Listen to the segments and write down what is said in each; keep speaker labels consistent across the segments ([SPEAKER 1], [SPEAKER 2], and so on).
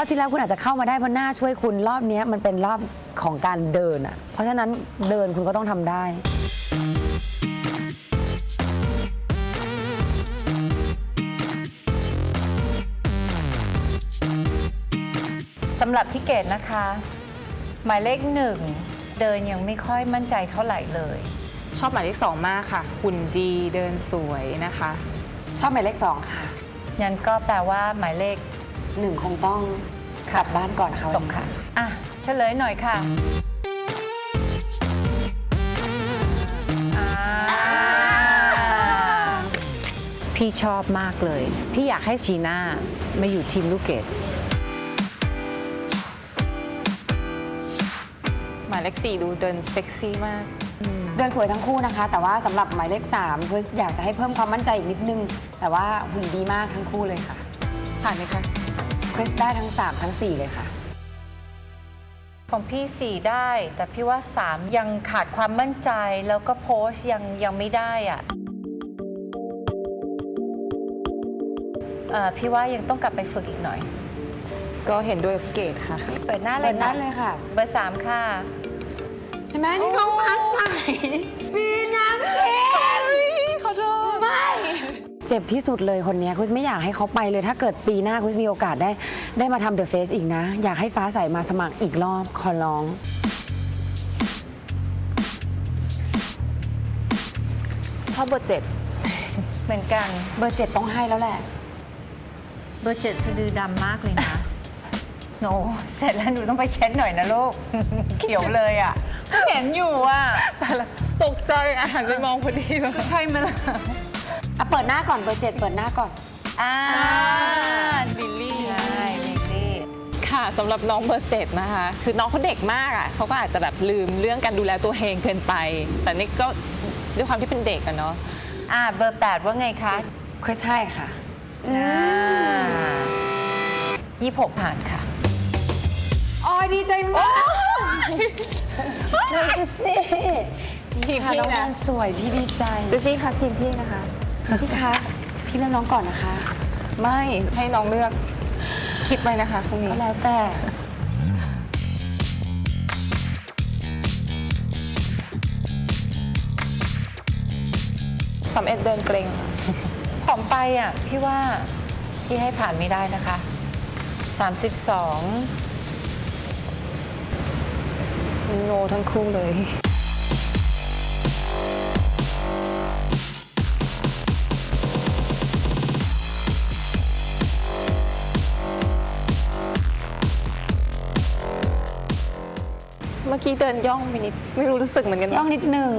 [SPEAKER 1] อบที่แล้วคุณอาจจะเข้ามาได้เพราะหน้าช่วยคุณรอบนี้มันเป็นรอบของการเดินอ่ะเพราะฉะนั้นเดินคุณก็ต้องทำได้
[SPEAKER 2] สำหรับพี่เกดนะคะ หมายเลขหนึ่งเดินยังไม่ค่อยมั่นใจเท่าไหร่เลย
[SPEAKER 3] ชอบหมายเลข2มากค่ะหุ่นดีเดินสวยนะคะ
[SPEAKER 1] ชอบหมายเลข2ค่ะ
[SPEAKER 2] งั้นก็แปลว่าหมายเลข
[SPEAKER 1] 1คงต้องกลับบ้านก่อนนะคะ
[SPEAKER 2] ตกค่ะอ่ะเฉลยหน่อยค่ะพี่ชอบมากเลยพี่อยากให้จีน่ามาอยู่ทีมลูกเกด
[SPEAKER 3] หมายเลข4ดูเดินเซ็กซี่มาก
[SPEAKER 1] เดินสวยทั้งคู่นะคะ แต่ว่าสำหรับหมายเลข3คืออยากจะให้เพิ่มความมั่นใจอีกนิดนึงแต่ว่าหุ่นดีมากทั้งคู่เลยค่ะ
[SPEAKER 3] ผ่านไหมคะ
[SPEAKER 1] คริสได้ทั้ง3ทั้ง4เลยค่ะ
[SPEAKER 2] ของพี่4ได้แต่พี่ว่า3ยังขาดความมั่นใจแล้วก็โพสต์ยังไม่ได้อ่ะพี่ว่ายังต้องกลับไปฝึกอีกหน่อย
[SPEAKER 3] ก็เห็นด้วยกับพี่เกดค่ะ
[SPEAKER 2] เปิดหน้าเล
[SPEAKER 1] เปิ
[SPEAKER 2] ย
[SPEAKER 1] ดหน้าเลยค่ะ
[SPEAKER 2] เบอร์3ค่ะ
[SPEAKER 1] เห็นไหมนี่น้องฟ้าใสมีน้ำเค็ม
[SPEAKER 3] ขอโทษ
[SPEAKER 1] ไม่เจ็บที่สุดเลยคนนี้คุณไม่อยากให้เขาไปเลยถ้าเกิดปีหน้าคุณมีโอกาสได้มาทำเดอะเฟสอีกนะ อยากให้ฟ้าใสมาสมัครอีกรอบขอร้อง
[SPEAKER 3] ชอบเบอร์7
[SPEAKER 2] เหมือนกัน
[SPEAKER 1] เบอร์7ต้องให้แล้วแหละ
[SPEAKER 2] เบอร์7สะดือดำมากเลยนะโนเสร็จแล้วหนูต้องไปเช็ดหน่อยนะลูก เขียวเลยอ่ะเห็นอยู่อ่ะ
[SPEAKER 3] แต่ละตกใจอาหารไปมองพอดีเลย
[SPEAKER 2] ใช่ไหมล่ะ
[SPEAKER 1] เปิดหน้าก่อนเบอร์7เปิดหน้าก่อน
[SPEAKER 3] ลิลลี่
[SPEAKER 2] ใช่ลิลลี่
[SPEAKER 3] ค่ะสำหรับน้องเบอร์7นะคะคือน้องเขาเด็กมากอ่ะเขาก็อาจจะแบบลืมเรื่องการดูแลตัวเองเกินไป แต่นี่ก็ด้วยความที่เป็นเด็กอะเนาะ
[SPEAKER 2] เบอร์8ว่าไงคะ
[SPEAKER 1] คริสให้ค่ะ
[SPEAKER 2] 26ผ่านค่ะ
[SPEAKER 1] อ๋อดีใจมากน้องจิซี่
[SPEAKER 3] ทีม
[SPEAKER 1] ค่ะ
[SPEAKER 3] พี่
[SPEAKER 1] น้อง
[SPEAKER 3] นะ
[SPEAKER 1] นสวยพี่ดีใจ
[SPEAKER 3] เจสซี่ค่ะทีมพี่นะคะ
[SPEAKER 1] พี่คะพี่เลือกน้องก่อนนะคะ
[SPEAKER 3] ไม่ให้น้องเลือกคิดไว้นะคะพรุ่งนี้
[SPEAKER 1] ก็แล้วแต่
[SPEAKER 3] 31เดินเกรง
[SPEAKER 2] ของไปอ่ะพี่ว่าพี่ให้ผ่านไม่ได้นะคะ 32
[SPEAKER 3] โนทั้งคู่เลย เมื่อกี้เดินย่องไปนิดไม่รู้สึกเหมือนกัน
[SPEAKER 1] ย่องนิดนึง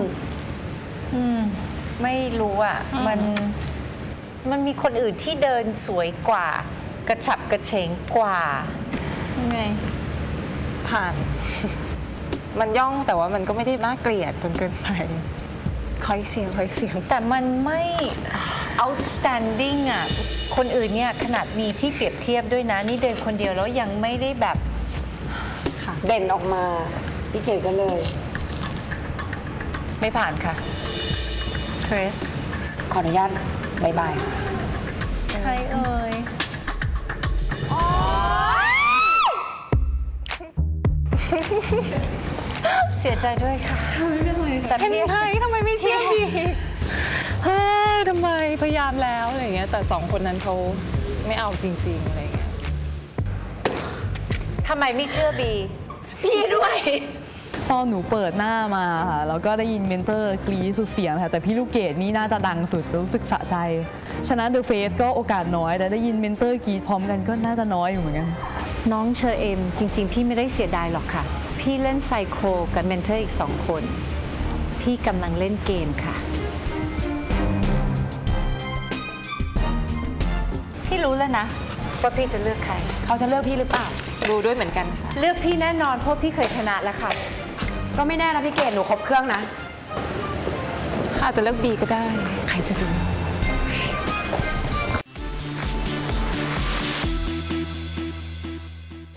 [SPEAKER 2] ไม่รู้อ่ะมันมีคนอื่นที่เดินสวยกว่า กระฉับกระเฉงกว่า
[SPEAKER 3] ไงผ่าน มันย่องแต่ว่ามันก็ไม่ได้น่าเกลียดจนเกินไปคอยเสียง
[SPEAKER 2] แต่มันไม่ outstanding อ่ะ คนอื่นเนี่ยขนาดมีที่เปรียบเทียบด้วยนะ นี่เดินคนเดียวแล้วยังไม่ได้แบบ
[SPEAKER 1] เด่นออกมา พี่เก๋ก็เลย
[SPEAKER 2] ไม่ผ่านค่ะคริส
[SPEAKER 1] ขออนุญาตบายบาย
[SPEAKER 2] ใครเอ่ยเสียใจด้วยค่ะแต่
[SPEAKER 3] เห็น
[SPEAKER 2] พี่
[SPEAKER 3] ไหมทำไมไม่เชื่อดีเฮ้ยทำไมพยายามแล้วอะไรเงี้ยแต่สองคนนั้นเขาไม่เอาจริงๆอะไรเงี้ย
[SPEAKER 2] ทำไมไม่เชื่อบี
[SPEAKER 1] พี่ด้วย
[SPEAKER 4] ตอนหนูเปิดหน้ามาค่ะแล้วก็ได้ยินเมนเตอร์กรี๊ดสุดเสียงค่ะแต่พี่ลูกเกดนี่น่าจะดังสุดรู้สึกสะใจชนะเดอะเฟสก็โอกาสน้อยแต่ได้ยินเมนเตอร์กรี๊ดพร้อมกันก็น่าจะน้อยอยู่เหมือนกัน
[SPEAKER 2] น้องเชอเอมจริง ๆ พี่ไม่ได้เสียดายหรอกค่ะ พี่เล่นไซโคกับเมนเทอร์อีก2 คน พี่กำลังเล่นเกมค่ะ พี่รู้แล้วนะว่าพี่จะเลือกใคร
[SPEAKER 1] เขาจะเลือกพี่หรือเปล่า
[SPEAKER 3] รู้ด้วยเหมือนกันค่ะ
[SPEAKER 2] เลือกพี่แน่นอนเพราะพี่เคยชนะแล้วค่ะ
[SPEAKER 1] ก็ไม่แน่นะพี่เกดหนูครบเครื่องนะ
[SPEAKER 3] อาจจะเลือกบีก็ได้ใครจะรู้